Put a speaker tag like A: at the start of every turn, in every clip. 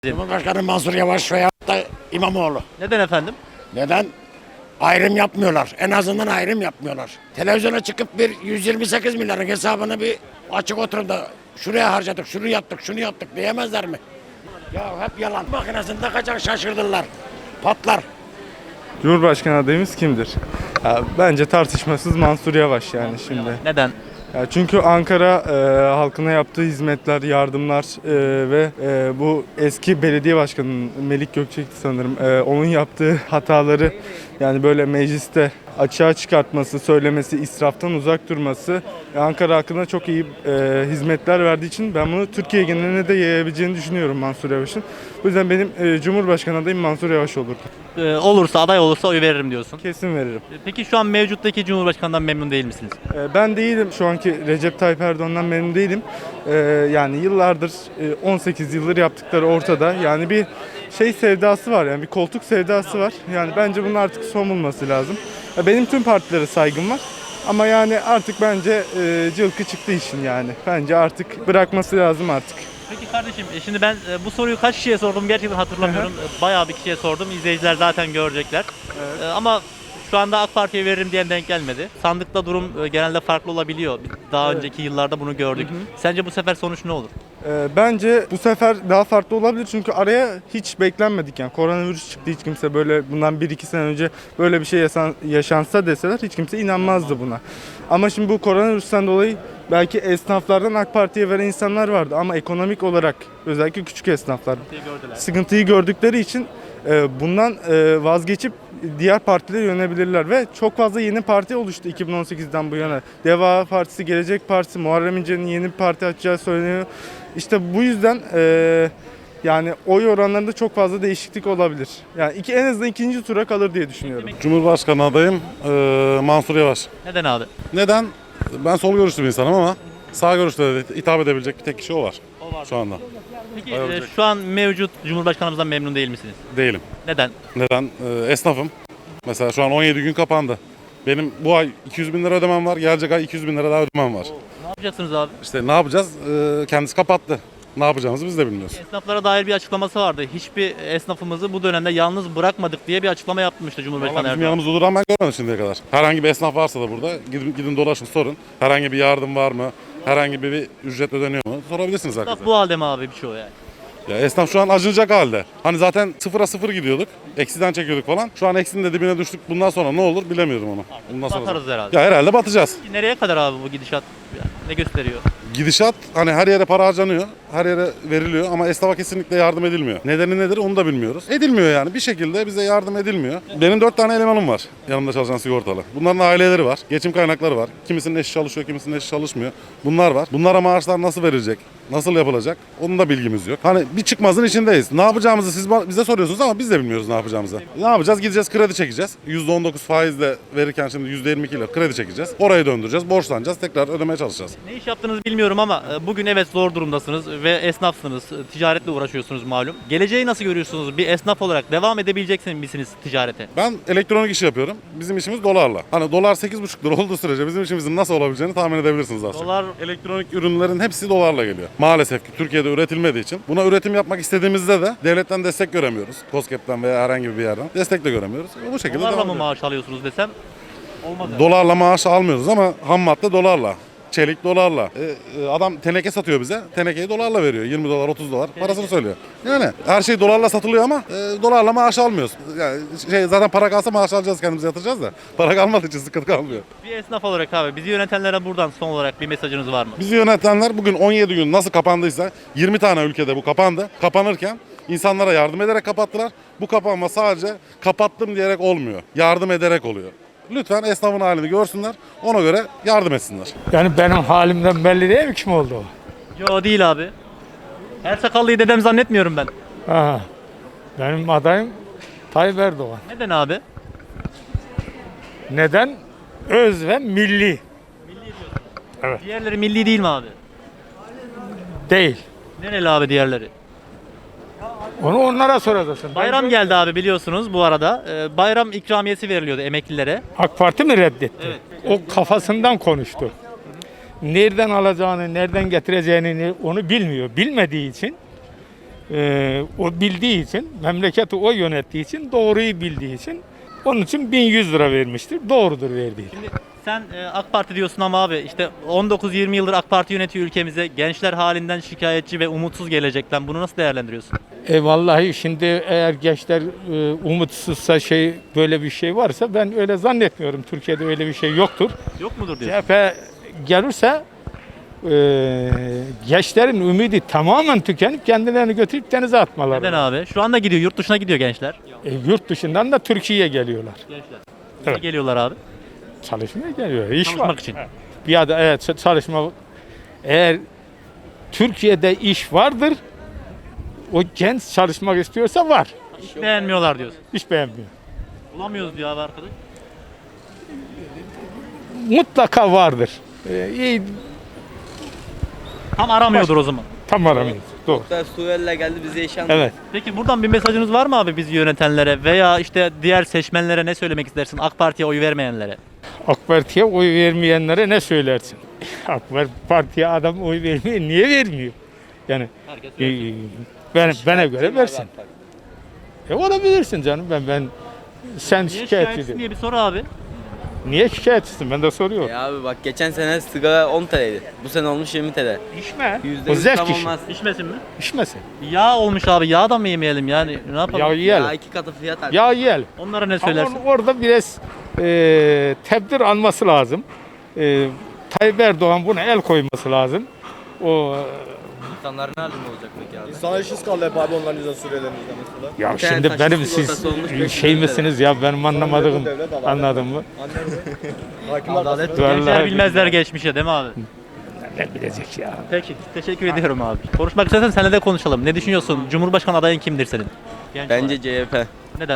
A: Cumhurbaşkanı Mansur Yavaş veya da İmamoğlu.
B: Neden efendim?
A: Neden? Ayrım yapmıyorlar. En azından ayrım yapmıyorlar. Televizyona çıkıp bir 128 milyarın hesabını bir açık oturup da şuraya harcadık, şunu yaptık, şunu yaptık diyemezler mi? Ya hep yalan. Makinesini takacak şaşırdılar. Patlar.
C: Cumhurbaşkanı adayımız kimdir? Ya, bence tartışmasız Mansur Yavaş yani şimdi.
B: Neden?
C: Ya çünkü Ankara halkına yaptığı hizmetler, yardımlar ve bu eski belediye başkanının Melik Gökçek'ti sanırım. Onun yaptığı hataları yani böyle mecliste açığa çıkartması, söylemesi, israftan uzak durması Ankara halkına çok iyi hizmetler verdiği için ben bunu Türkiye geneline de yayabileceğini düşünüyorum Mansur Yavaş'ın. Bu yüzden benim Cumhurbaşkanı adayım Mansur Yavaş olurdu.
B: Aday olursa oy veririm diyorsun.
C: Kesin veririm.
B: Peki şu an mevcuttaki Cumhurbaşkanından memnun değil misiniz?
C: Ben değilim. Şu anki Recep Tayyip Erdoğan'dan memnun değilim. Yani yıllardır 18 yıldır yaptıkları ortada. Yani bir şey sevdası var, yani bir koltuk sevdası var. Yani bence bunun artık son bulması lazım. Benim tüm partilere saygım var. Ama yani artık bence cılkı çıktı işin yani. Bence artık bırakması lazım artık.
B: Peki kardeşim şimdi ben bu soruyu kaç kişiye sordum gerçekten hatırlamıyorum. Bayağı bir kişiye sordum. İzleyiciler zaten görecekler. Ama şu anda AK Parti'ye veririm diyen denk gelmedi. Sandıkta durum genelde farklı olabiliyor. Daha önceki yıllarda bunu gördük. Sence bu sefer sonuç ne olur?
C: Bence bu sefer daha farklı olabilir çünkü araya hiç beklenmedik yani koronavirüs çıktı, hiç kimse böyle bundan 1-2 sene önce böyle bir şey yaşansa deseler hiç kimse inanmazdı buna. Ama şimdi bu koronavirüsten dolayı belki esnaflardan AK Parti'ye veren insanlar vardı ama ekonomik olarak özellikle küçük esnaflar sıkıntıyı gördükleri için bundan vazgeçip diğer partilere yönelebilirler ve çok fazla yeni parti oluştu 2018'den bu yana. Deva Partisi, Gelecek Partisi, Muharrem İnce'nin yeni bir parti açacağı söyleniyor. İşte bu yüzden yani oy oranlarında çok fazla değişiklik olabilir. Yani en azından ikinci tura kalır diye düşünüyorum.
D: Cumhurbaşkanı adayım Mansur Yavaş.
B: Neden abi?
D: Neden? Ben sol görüşlü bir insanım ama sağ görüşlü de hitap edebilecek bir tek kişi o var şu anda.
B: Peki şu an mevcut Cumhurbaşkanımızdan memnun değil misiniz?
D: Değilim.
B: Neden?
D: Neden? Esnafım. Mesela şu an 17 gün kapandı. Benim bu ay 200 bin lira ödemem var. Gelecek ay 200 bin lira daha ödemem var.
B: Ne yapacaksınız abi?
D: İşte ne yapacağız? Kendisi kapattı. Ne yapacağımızı biz de bilmiyoruz.
B: Esnaflara dair bir açıklaması vardı. Hiçbir esnafımızı bu dönemde yalnız bırakmadık diye bir açıklama yapmıştı Cumhurbaşkanı
D: Vallahi bizim
B: Erdoğan.
D: yanımızda duran ben görmedim şimdiye kadar. Herhangi bir esnaf varsa da burada gidin dolaşın sorun. Herhangi bir yardım var mı? Herhangi bir ücret ödeniyor mu? Sorabilirsiniz
B: Esnaf
D: herkese.
B: bu halde mi abi birçoğu yani?
D: Ya esnaf şu an acınacak halde. Hani zaten 0'a 0 gidiyorduk. Eksiden çekiyorduk falan. Şu an eksinin de dibine düştük. Bundan sonra ne olur bilemiyorum onu. Bundan sonra.
B: Batarız herhalde.
D: Ya herhalde batacağız.
B: Nereye kadar abi bu gidişat? Yani ne gösteriyor?
D: Gidişat hani her yere para harcanıyor. Her yere veriliyor ama esnafa kesinlikle yardım edilmiyor. Nedeni nedir onu da bilmiyoruz. Edilmiyor yani. Bir şekilde bize yardım edilmiyor. Benim 4 tane elemanım var. Yanımda çalışan sigortalı. Bunların aileleri var. Geçim kaynakları var. Kimisinin eşi çalışıyor, kimisinin eşi çalışmıyor. Bunlar var. Bunlara maaşlar nasıl verilecek? Nasıl yapılacak? Onun da bilgimiz yok. Hani bir çıkmazın içindeyiz. Ne yapacağımızı siz bize soruyorsunuz ama biz de bilmiyoruz ne yapacağımızı. Ne yapacağız? Gideceğiz kredi çekeceğiz. %19 faizle verirken şimdi %22 ile kredi çekeceğiz. Orayı döndüreceğiz. Borçlanacağız. Tekrar ödemeye çalışacağız.
B: Ne iş yaptığınızı bilmiyorum ama bugün evet zor durumdasınız ve esnafsınız. Ticaretle uğraşıyorsunuz malum. Geleceği nasıl görüyorsunuz? Bir esnaf olarak devam edebilecek misiniz ticarete?
D: Ben elektronik işi yapıyorum. Bizim işimiz dolarla. Hani dolar 8,5 lira olduğu sürece bizim işimizin nasıl olabileceğini tahmin edebilirsiniz aslında.
B: Dolar
D: Elektronik ürünlerin hepsi dolarla geliyor. Maalesef ki Türkiye'de üretilmediği için buna üretim yapmak istediğimizde de devletten destek göremiyoruz. KOSGEB'den veya herhangi bir yerden destek de göremiyoruz. Bu şekilde
B: dolarla
D: devam
B: mı
D: ediyor.
B: maaş alıyorsunuz desem olmaz. Yani.
D: Dolarla maaş almıyoruz ama ham madde dolarla. Çelik dolarla. Adam teneke satıyor bize. Tenekeyi dolarla veriyor. 20 dolar, 30 dolar parasını söylüyor. Yani her şey dolarla satılıyor ama dolarla maaş almıyoruz. Yani zaten para kalsa maaş alacağız, kendimize yatıracağız da. Para kalmadığı için sıkıntı kalmıyor.
B: Bir esnaf olarak abi bizi yönetenlere buradan son olarak bir mesajınız var mı?
D: Bizi yönetenler bugün 17 gün nasıl kapandıysa 20 tane ülkede bu kapandı. Kapanırken insanlara yardım ederek kapattılar. Bu kapanma sadece kapattım diyerek olmuyor. Yardım ederek oluyor. Lütfen esnafın halini görsünler, ona göre yardım etsinler.
E: Yani benim halimden belli değil mi kim oldu?
B: Yo değil abi. Her sakallıyı dedem zannetmiyorum ben.
E: Aha. Benim adayım Tayyip Erdoğan.
B: Neden abi?
E: Neden? Öz ve milli
B: Diğerleri milli değil mi abi?
E: değil.
B: Nereli abi diğerleri?
E: Onu onlara soracaksın.
B: Bayram geldi abi biliyorsunuz bu arada. Bayram ikramiyesi veriliyordu emeklilere.
E: AK Parti mi reddetti?
B: Evet.
E: O kafasından konuştu. Nereden alacağını, nereden getireceğini onu bilmiyor. Bilmediği için O bildiği için, memleketi o yönettiği için, doğruyu bildiği için onun için 1100 lira vermiştir. Doğrudur verdiği.
B: Şimdi sen AK Parti diyorsun ama abi işte 19-20 yıldır AK Parti yönetiyor ülkemize. Gençler halinden şikayetçi ve umutsuz gelecekten. Bunu nasıl değerlendiriyorsun?
E: Vallahi şimdi eğer gençler umutsuzsa böyle bir şey varsa ben öyle zannetmiyorum. Türkiye'de öyle bir şey yoktur.
B: Yok mudur diyorsun?
E: CHP gelirse gençlerin ümidi tamamen tükenip kendilerini götürüp denize atmaları.
B: Neden abi? Şu anda gidiyor, yurt dışına gidiyor gençler.
E: Yurt dışından da Türkiye'ye geliyorlar.
B: Gençler.
E: Evet.
B: Evet. Geliyorlar abi.
E: Çalışmaya geliyor. İş
B: Çalışmak
E: var.
B: için.
E: Evet. Bir ada evet çalışma. Eğer Türkiye'de iş vardır, o genç çalışmak istiyorsa var.
B: Hiç beğenmiyorlar diyorsun.
E: Hiç beğenmiyor.
B: Bulamıyoruz diyor abi arkadaş.
E: Mutlaka vardır. İyi,
B: Tam aramıyordur o zaman.
E: tam aramıyoruz. Doğru.
F: Suriyeliler geldi bize iş anlattı.
E: Evet.
B: Peki buradan bir mesajınız var mı abi bizi yönetenlere veya işte diğer seçmenlere ne söylemek istersin? AK Parti'ye oy vermeyenlere.
E: AK Parti'ye oy vermeyenlere ne söylersin? AK Parti'ye adam oy vermiyor. Niye vermiyor? Yani
B: Herkes
E: bana göre versin. Olabilirsin canım. Sen
B: Niye
E: şikayet
B: şikayetçisin
E: ediyorsun.
B: diye bir soru abi.
E: Niye şikayetçisin? Ben de soruyorum.
F: Ya abi bak geçen sene sigara 10 TL'ydi. Bu sene olmuş 20 TL.
E: İçme. O
F: %100
E: zevk
F: tam
E: işi.
F: olmaz.
B: İçmesin mi?
E: İçmesin.
B: Yağ olmuş abi. Yağ da mı yemeyelim yani? Ne yapalım?
E: Ya
F: Ya
E: yiyelim.
F: 2 katı fiyat artık.
E: Ya yiyelim.
B: Onlara ne
E: Ama
B: söylersin?
E: orada biraz tedbir alması lazım. Tayyip Erdoğan buna el koyması lazım. O
F: İnsanlar ne halinde olacak peki abi?
G: Sana işsiz kaldı hep abi onların yüzünden Suriyelilerimizden mesela.
E: ya
F: Bir tane
E: şimdi
F: taşın
E: benim
F: sigortası olmuş,
E: siz
F: 500
E: şey
F: lira.
E: misiniz ya benim anlamadığım
G: Devlet, adalet.
E: anladın mı?
G: Hakim
F: Adalet
G: arkasında.
B: Gençler
E: Vallahi
B: bilmezler geçmişe değil mi abi?
E: Ne bilecek ya.
B: Peki. Teşekkür ediyorum abi. Konuşmak istersen seninle de konuşalım. Ne düşünüyorsun? Cumhurbaşkanı adayın kimdir senin? Genç
F: Bence
B: olarak.
F: CHP.
B: Neden?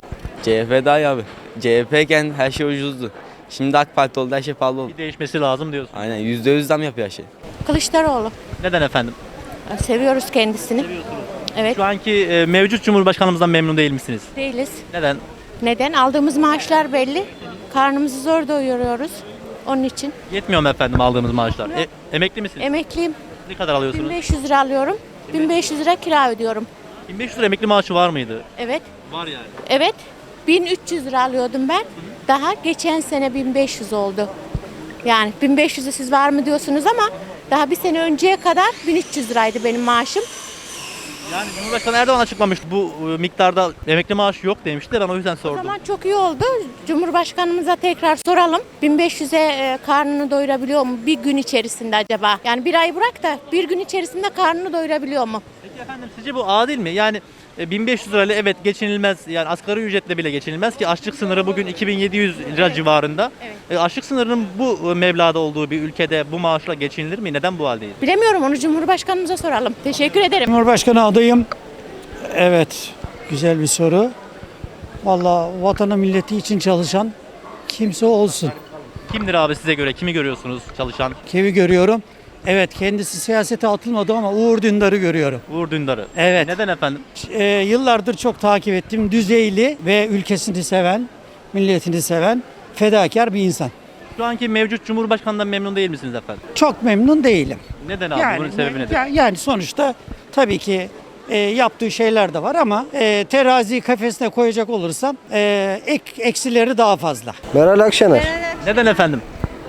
F: CHP daha iyi abi. CHP iken her şey ucuzdu. Şimdi AK Parti oldu her şey pahalı oldu.
B: Bir değişmesi lazım diyorsun.
F: Aynen %100 zam yapıyor her şey.
H: Kılıçdaroğlu.
B: Neden efendim?
H: Seviyoruz kendisini. Evet.
B: Şu anki mevcut Cumhurbaşkanımızdan memnun değil misiniz?
H: Değiliz.
B: Neden?
H: Neden? Aldığımız maaşlar belli. Karnımızı zor doyuruyoruz. Onun için.
B: Yetmiyor mu efendim aldığımız maaşlar? Emekli misiniz?
H: Emekliyim.
B: Ne kadar alıyorsunuz?
H: 1500 lira alıyorum. 1500 lira kira ödüyorum.
B: 1500 lira emekli maaşı var mıydı?
H: Evet.
B: Var yani.
H: Evet. 1300 lira alıyordum ben. Daha geçen sene 1500 oldu. Yani 1500'ü siz var mı diyorsunuz ama daha bir sene önceye kadar 1300 liraydı benim maaşım.
B: Yani Cumhurbaşkanı Erdoğan açıklamıştı bu miktarda emekli maaşı yok demişti de ben o yüzden
H: O
B: sordum.
H: zaman çok iyi oldu. Cumhurbaşkanımıza tekrar soralım. 1500'e karnını doyurabiliyor mu bir gün içerisinde acaba? Yani bir ay bırak da bir gün içerisinde karnını doyurabiliyor mu?
B: Peki efendim sizce bu adil mi? Yani 1500 lirayla evet geçinilmez yani asgari ücretle bile geçinilmez ki açlık sınırı bugün 2700 lira civarında. Açlık sınırının bu meblağda olduğu bir ülkede bu maaşla geçinilir mi? Neden bu haldeyiz?
H: Bilemiyorum, onu Cumhurbaşkanımıza soralım. Teşekkür ederim.
I: Cumhurbaşkanı adayım. Evet, güzel bir soru. Vallahi vatanı milleti için çalışan kimse olsun.
B: Kimdir abi size göre? Kimi görüyorsunuz çalışan?
I: Kimi görüyorum? Evet, kendisi siyasete atılmadı ama Uğur Dündar'ı görüyorum.
B: Uğur Dündar'ı.
I: Evet.
B: Neden efendim?
I: Yıllardır çok takip ettim. Düzeyli ve ülkesini seven, milletini seven, fedakar bir insan.
B: Şu anki mevcut Cumhurbaşkanından memnun değil misiniz efendim?
I: Çok memnun değilim.
B: Neden abi? Bunun sebebi nedir?
I: Yani sonuçta tabii ki yaptığı şeyler de var ama teraziyi kafesine koyacak olursam eksileri daha fazla.
J: Meral Akşener.
B: Neden efendim?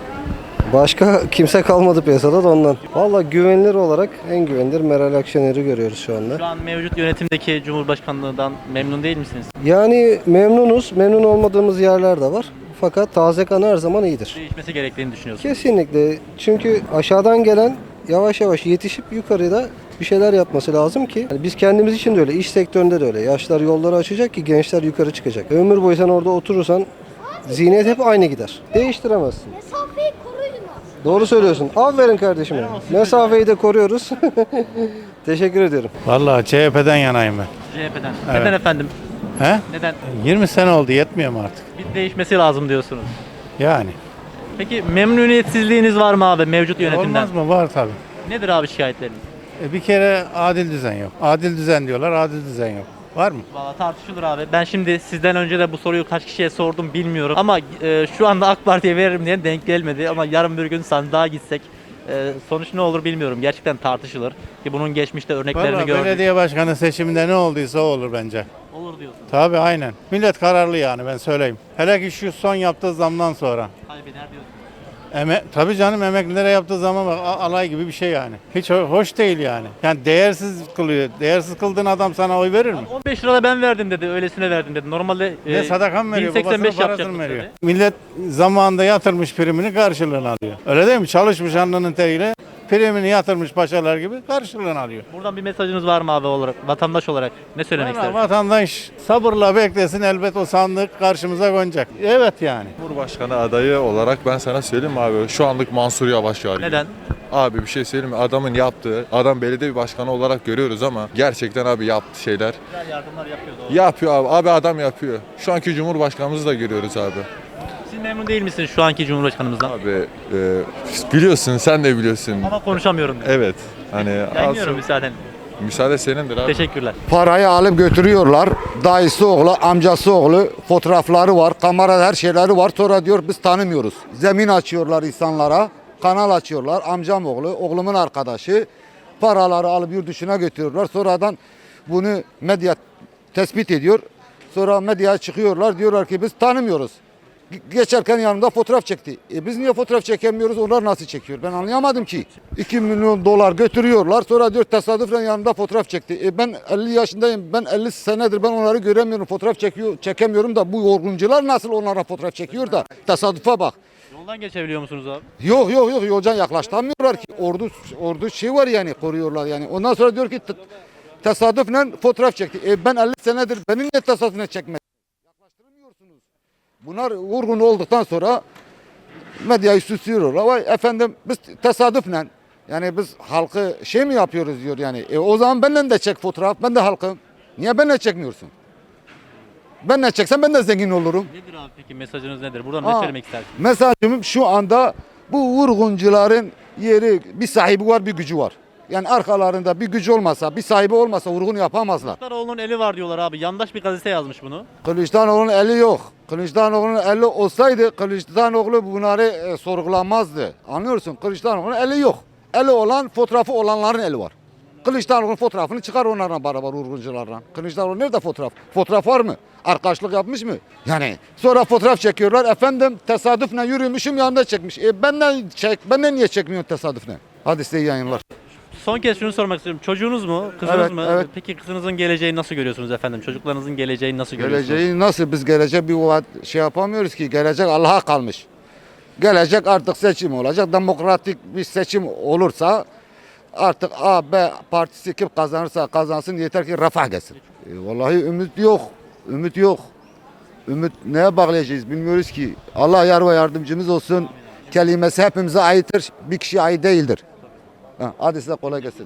J: Başka kimse kalmadı piyasada da ondan. Valla güvenilir olarak en güvenilir Meral Akşener'i görüyoruz şu anda.
B: Şu an mevcut yönetimdeki Cumhurbaşkanlığından memnun değil misiniz?
J: Yani memnunuz. Memnun olmadığımız yerler de var. Fakat taze kan her zaman iyidir.
B: Değişmesi gerektiğini düşünüyorsunuz.
J: Kesinlikle. Çünkü aşağıdan gelen yavaş yavaş yetişip yukarıda bir şeyler yapması lazım ki. Yani biz kendimiz için de öyle, iş sektöründe de öyle. Yaşlar yolları açacak ki gençler yukarı çıkacak. Ömür boyu sen orada oturursan zihniyet hep aynı gider. Değiştiremezsin.
K: Mesafeyi koruyun.
J: Doğru söylüyorsun. Aferin kardeşim. Mesafeyi de koruyoruz. Teşekkür ediyorum.
L: Vallahi CHP'den yanayım ben.
B: CHP'den.
L: Evet.
B: Neden efendim?
L: He?
B: Neden?
L: 20 sene oldu yetmiyor mu artık?
B: Bir değişmesi lazım diyorsunuz.
L: Yani.
B: Peki memnuniyetsizliğiniz var mı abi mevcut yönetimden?
L: Olmaz mı? Var tabii.
B: Nedir abi şikayetleriniz?
L: Bir kere adil düzen yok. Adil düzen diyorlar, adil düzen yok. Var mı?
B: Valla tartışılır abi. Ben şimdi sizden önce de bu soruyu kaç kişiye sordum bilmiyorum. Ama şu anda AK Parti'ye veririm diye denk gelmedi. Ama yarın bir gün sandığa gitsek Sonuç ne olur bilmiyorum. Gerçekten tartışılır. Ki bunun geçmişte örneklerini
L: Vallahi
B: gördük.
L: belediye başkanı seçiminde ne olduysa o olur bence.
B: Olur diyorsun.
L: Tabii aynen. Millet kararlı yani ben söyleyeyim. Hele ki şu son yaptığı zamdan sonra.
B: Kaybeder diyorsun.
L: Tabii canım emeklilere yaptığı zaman bak alay gibi bir şey yani. Hiç hoş değil yani. Yani değersiz kılıyor. Değersiz kıldığın adam sana oy verir mi?
B: 15 lira da ben verdim dedi. Öylesine verdim dedi. Normalde
L: Ne sadaka mı veriyor?
B: 1085
L: Babasının parasını
B: yapacaktık
L: mı veriyor?
B: dedi.
L: Millet zamanında yatırmış primini karşılığını alıyor. Öyle değil mi? Çalışmış alnının teriyle primini yatırmış paşalar gibi karşılığını alıyor.
B: Buradan bir mesajınız var mı abi olarak, vatandaş olarak? Ne söylemek
L: Valla
B: istersiniz?
L: vatandaş sabırla beklesin elbet o sandık karşımıza konacak. Evet yani.
K: Cumhurbaşkanı adayı olarak ben sana söyleyeyim mi abi? Şu anlık Mansur Yavaş var.
B: Neden?
K: Abi bir şey söyleyeyim mi? Adamın yaptığı, adam belediye başkanı olarak görüyoruz ama gerçekten abi yaptığı şeyler
B: Güzel yardımlar yapıyor doğru.
K: yapıyor abi. Abi adam yapıyor. Şu anki Cumhurbaşkanımızı da görüyoruz abi.
B: Siz memnun değil misiniz şu anki Cumhurbaşkanımızdan?
K: Abi biliyorsun, sen de biliyorsun.
B: Ama konuşamıyorum diyor.
K: Evet. Hani
B: Yayınlıyorum müsaaden.
K: müsaade senindir abi.
B: Teşekkürler.
A: Parayı alıp götürüyorlar. Dayısı oğlu, amcası oğlu, fotoğrafları var, kamerada her şeyleri var. Sonra diyor biz tanımıyoruz. Zemin açıyorlar insanlara, kanal açıyorlar. Amcam oğlu, oğlumun arkadaşı. Paraları alıp yurt dışına götürüyorlar. Sonradan bunu medya tespit ediyor. Sonra medyaya çıkıyorlar. Diyorlar ki biz tanımıyoruz. Geçerken yanımda fotoğraf çekti. Biz niye fotoğraf çekemiyoruz? Onlar nasıl çekiyor? Ben anlayamadım ki. 2 milyon dolar götürüyorlar. Sonra diyor tesadüfen yanımda fotoğraf çekti. Ben 50 yaşındayım. Ben 50 senedir ben onları göremiyorum. Fotoğraf çekemiyorum da bu yorguncular nasıl onlara fotoğraf çekiyor da tesadüfe bak.
B: Yoldan geçebiliyor musunuz abi?
A: Yok yolcan yaklaştıramıyorlar ki. Ordu şey var yani koruyorlar yani. Ondan sonra diyor ki tesadüfen fotoğraf çekti. Ben 50 senedir beni niye tesadüfen çekmedi? Yaklaştıramıyorsunuz. Bunlar vurgun olduktan sonra medyayı süslüyorlar. Vay efendim biz tesadüfen yani biz halkı şey mi yapıyoruz diyor yani. O zaman benden de çek fotoğraf. Ben de halkım. Niye benle çekmiyorsun? Ben ne çeksem ben de zengin olurum.
B: Nedir abi peki mesajınız nedir? Buradan ne söylemek istersiniz?
A: Mesajım şu anda bu vurguncuların yeri bir sahibi var bir gücü var. Yani arkalarında bir gücü olmasa, bir sahibi olmasa vurgun yapamazlar.
B: Kılıçdaroğlu'nun eli var diyorlar abi. Yandaş bir gazete yazmış bunu.
A: Kılıçdaroğlu'nun eli yok. Kılıçdaroğlu'nun eli olsaydı Kılıçdaroğlu bunları sorgulamazdı. Anlıyorsun? Kılıçdaroğlu'nun eli yok. Eli olan fotoğrafı olanların eli var. Kılıçdaroğlu'nun fotoğrafını çıkar onlarla beraber vurguncularla. Kılıçdaroğlu nerede fotoğraf? Fotoğraf var mı? Arkadaşlık yapmış mı? Yani sonra fotoğraf çekiyorlar. Efendim tesadüfen yürümüşüm yanında çekmiş. Benden niye çekmiyorsun tesadüfen? Hadi size iyi yayınlar.
B: Son kez şunu sormak istiyorum. Çocuğunuz mu? Kızınız
A: Evet,
B: mı?
A: evet.
B: Peki kızınızın geleceğini nasıl görüyorsunuz efendim? Çocuklarınızın geleceğini nasıl görüyorsunuz?
A: Geleceği nasıl? Biz gelecek bir şey yapamıyoruz ki. Gelecek Allah'a kalmış. Gelecek artık seçim olacak. Demokratik bir seçim olursa artık A, B partisi kim kazanırsa kazansın yeter ki refah gelsin. Vallahi ümit yok. Ümit yok. Ümit neye bağlayacağız bilmiyoruz ki. Allah yar ve yardımcımız olsun. Kelimesi hepimize aittir. Bir kişiye ait değildir. Hadi size kolay gelsin.